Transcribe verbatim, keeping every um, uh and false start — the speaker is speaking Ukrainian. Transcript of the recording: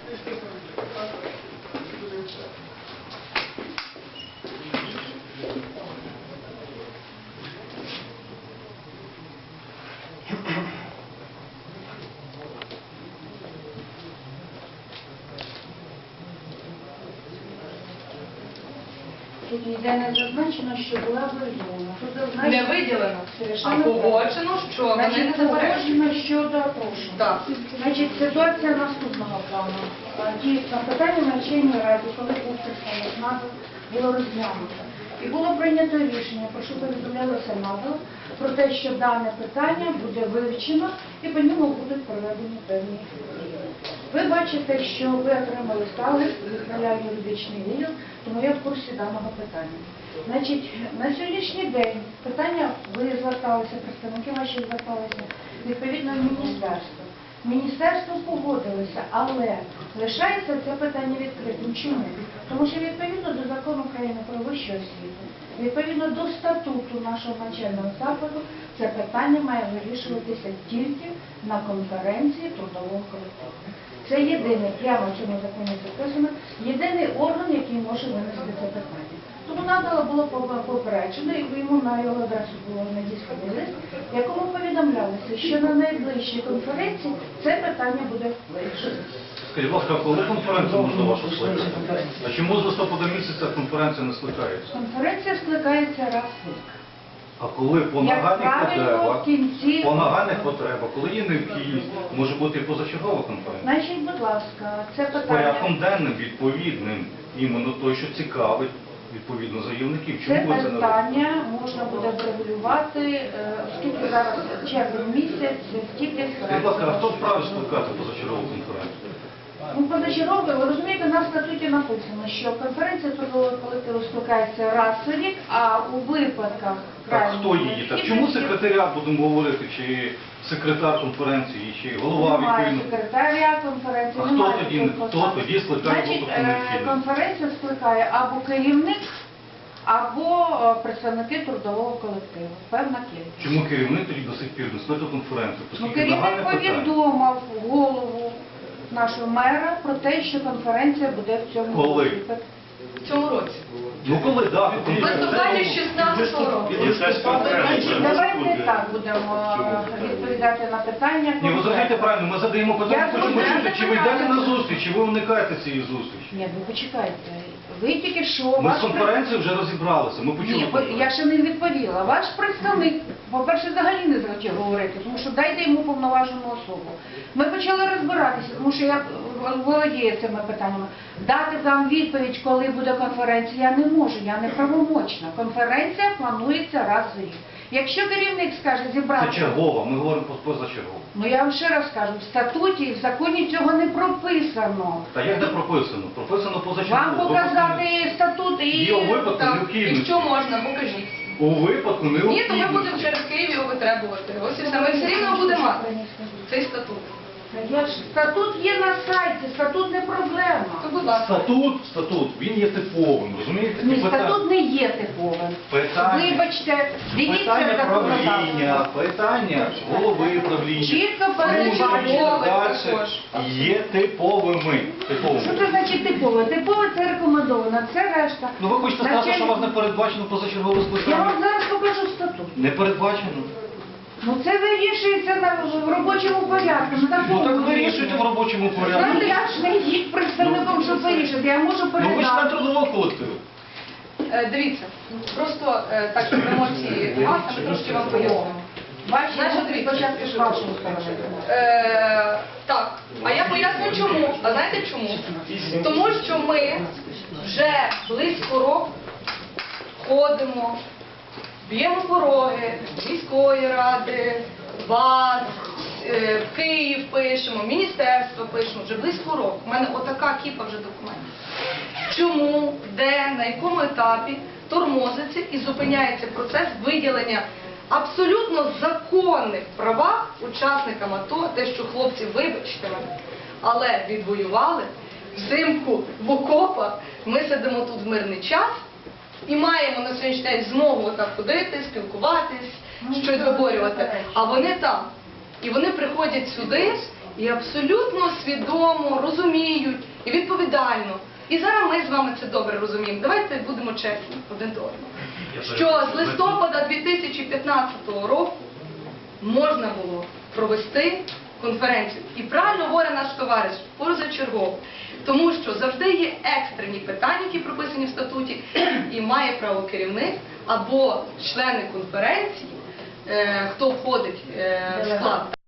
Тут ніде не зазначено, що була виділена. Тут зазначено... Не виділено, Совершенно а погоджено, що вони не Значить, заперечують. погоджено щодо прошу. Так. Значить, ситуація наступного плану. Дійсно, питання на Верховній Раді, коли був представник НАТО, було розглянуто. І було прийнято рішення, про що повідомляли Сенату, про те, що дане питання буде вивчено і по ньому будуть проведені певні дії. Ви бачите, що ви отримали сталий, відправляє юридичний відділ, тому я в курсі даного питання. Значить, на сьогоднішній день питання, ви зверталися, представники ваші зверталися, відповідно, в міністерство. Міністерство погодилося, але лишається це питання відкритим. Чому? Тому що відповідно до закону України про вищу освіту, відповідно до статуту нашого навчального закладу, це питання має вирішуватися тільки на конференції трудового колективу. Це єдиний, прямо в цьому законі записано, єдиний орган, який може винести це питання. Тому надало було попереджено, і йому на його адресу було надісланий лист, в якому повідомлялося, що на найближчій конференції це питання буде вирішено. Скажіть, будь ласка, коли конференцію можна вашу скликати? А чому з листопада місяця конференція не скликається? Конференція скликається раз в рік. А коли по нагальних потребах, кінці... по нагальних потребах, коли є необхідність, може бути і позачергова конференція? Значить, будь ласка, це З питання... порядком денним, відповідним, іменно той, що цікавить, відповідно, заявників. Чому Це ви це не робите? питання можна буде врегулювати, е, оскільки зараз червень місяць, тільки... Скажіть, будь ласка, а хто вправі скликати позачергову конференцію? Ну, позачергове, ви розумієте, на статуті написано, що конференція трудового колективу скликається раз у рік, а у випадках Так хто її? Так чому секретаріат, будемо говорити, чи секретар конференції, чи голова Немає відповідно? секретаря конференції, А хто немає тоді, такого хто посади. тоді скликає Значить, випадку е, необхідність? конференцію скликає або керівник, або е, представники трудового колективу, певна кількість. Чому керівник тоді до сих пір не скликав конференцію? Ну, Оскільки керівник нагальне питання. повідомив голову нашого мера про те, що конференція буде в цьому Коли? році. В цьому році. Ну коли дату В листопаді шістнадцятого року. Значить, давайте так будемо е, відповідати на питання. Ні, ви зрозумієте правильно, ми задаємо питання, Я хочемо задаю чути, чи ви йдете питання. на зустріч, чи ви уникаєте цієї зустрічі. Ні, ви почекайте. Ви тільки що... Ми ваш з конференцією вже розібралися, ми почули. Ні, бо конференцію. я ще не відповіла. Ваш представник, по-перше, взагалі не захотів говорити, тому що дайте йому повноважену особу. Ми почали розбиратися, тому що я володію цими питаннями. Дати вам відповідь, коли буде конференція, я не можу, я не правомочна. Конференція планується раз в рік. Якщо керівник скаже зібрати... Це чергова, ми говоримо про позачергову. Ну я вам ще раз кажу, в статуті і в законі цього не прописано. Та як де прописано? Прописано позачергово. Вам показати статут і... Є у випадку Так, необхідності. якщо можна, покажіть. У випадку Ні, то необхідності. ми будемо через Київ його витребувати. Ось і все. Ми все рівно будемо мати цей статут. Я ж- Статут є на сайті, статут не проблема. То, будь ласка. Статут, статут, він є типовим, розумієте? Ні, І питання- статут не є типовим. Питання- Вибачте, дивіться Питання законодавство. правління, питання голови правління. Чітко служби передбачено. далі також. є типовими. Що типовими. це значить типове? Типове це рекомендовано, це решта. Ну ви хочете сказати, Значить, що у вас не передбачено позачергове Я скликання? вам зараз покажу статут. Не передбачено? Ну це вирішується на, в робочому порядку. На Ну такому так рівні. вирішуйте в робочому порядку. Ну я ж не є представником, щоб вирішити, я можу Ну ви ж член передати. трудового колективу. Е, Дивіться, просто е, так, щоб емоції маса, ми трошки вам пояснимо. Ваші Значить, емоції дивіться. спочатку з вашої сторони. Е, так, а я поясню чому. А знаєте чому? Тому що ми вже близько року ходимо, б'ємо пороги міської ради, вас, е, в Київ пишемо, міністерство пишемо, вже близько року. У мене отака кіпа вже документів. Чому, де, на якому етапі тормозиться і зупиняється процес виділення абсолютно законних правах учасникам АТО, те, що хлопці, вибачте мене, але відвоювали взимку в окопах, ми сидимо тут в мирний час і маємо на сьогоднішній день змогу так ходити, спілкуватись, щось виборювати, а вони там. І вони приходять сюди і абсолютно свідомо розуміють і відповідально. І зараз ми з вами це добре розуміємо. Давайте будемо чесні один до одного. Що з листопада дві тисячі п'ятнадцятого року можна було провести конференцію. І правильно говорить наш товариш, позачергово. Тому що завжди є екстрені питання, які прописані в статуті, і має право керівник або члени конференції, е, хто входить е, в склад.